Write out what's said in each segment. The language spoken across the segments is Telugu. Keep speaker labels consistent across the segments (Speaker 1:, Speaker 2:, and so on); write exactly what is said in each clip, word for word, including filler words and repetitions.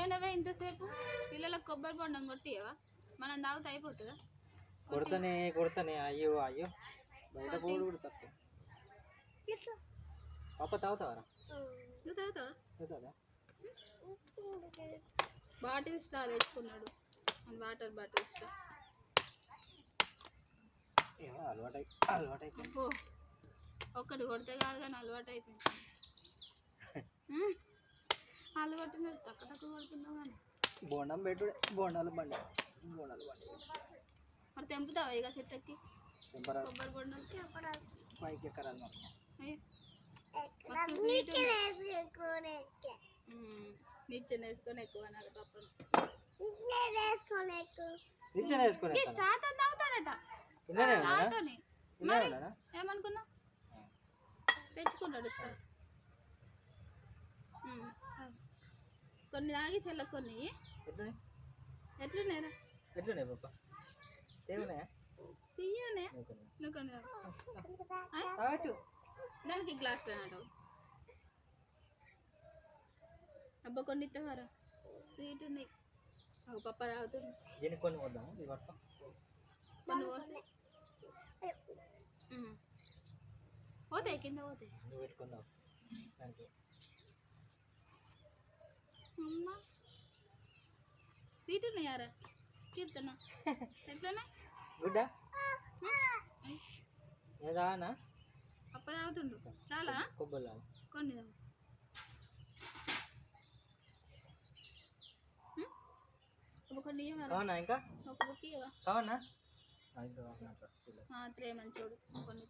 Speaker 1: పోయినవే ఇంతసేపు పిల్లలకు కొబ్బరి బొండం కొట్టియవా మనం తాగుతా అయిపోతుందా
Speaker 2: కొడతానే కొడతానే అయ్యో అయ్యో బయట పోడు కూడా తక్కువ పాప తాగుతావరా
Speaker 1: నువ్వు తాగుతావా
Speaker 2: తాగుతావా
Speaker 1: బాటిల్ స్ట్రా తెచ్చుకున్నాడు వాటర్ బాటిల్ స్ట్రా
Speaker 2: అలవాటు అలవాటు అయిపోయింది
Speaker 1: ఒక్కటి కొడితే కాదు కానీ అలవాటు అయిపోయింది అలవాటు తక్కువ తక్కువ కొడుతున్నావు కానీ
Speaker 2: బోండం పెట్టుడే బోండాలు బండి బోండాలు బండి
Speaker 1: మరి తెంపుతావా ఇక చెట్టెక్కి కొబ్బరి బొండం
Speaker 2: పైకి ఎక్కరాలి
Speaker 1: నిచ్చెన వేసుకొని ఎక్కువ అనాలి పప్పని
Speaker 2: నిచ్చెన వేసుకొని
Speaker 1: స్టార్ట్ అని తాగుతాడట మరి ఏమనుకున్నా తెచ్చుకున్నాడు స్టార్ కొన్ని తాగి చెల్ల కొన్ని ఎట్లున్నాయిరా
Speaker 2: ఎట్లున్నాయి పాప ఏమున్నాయా
Speaker 1: తీయనే నువ్వు కొన్ని
Speaker 2: తాగచ్చు
Speaker 1: దానికి గ్లాస్ అన్నాడు అబ్బా కొన్ని ఇస్తావారా స్వీట్ ఉన్నాయి ఒక పప్ప తాగుతుంది
Speaker 2: దీనికి కొన్ని వద్దాము ఇది పట్టుకో
Speaker 1: కొన్ని పోతే పోతాయి కింద పోతాయి
Speaker 2: నువ్వు పెట్టుకుందావు దానికి
Speaker 1: అమ్మా స్వీట్ ఉన్నాయారా కీర్తన ఎట్లనే
Speaker 2: గుడ్డా ఏదానా
Speaker 1: పప్ప తాగుతుండు చాలా
Speaker 2: కొబ్బరి
Speaker 1: కొన్ని కొన్ని
Speaker 2: కావనా ఇంకా
Speaker 1: ఒక బుక్ ఇవ్వవా
Speaker 2: కావనా
Speaker 1: త్రే మంచోడు కొన్ని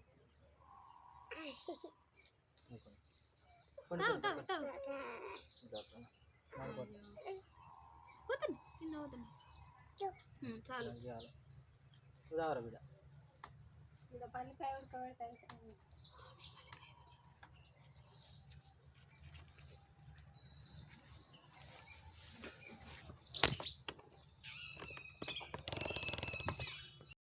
Speaker 1: తాగు తాగు తాగు పోతుంది కింద పోతుంది చాలు
Speaker 2: ఉదాహరణ బిడ్డ
Speaker 1: పల్లికాయ ఉడకబెడతాయి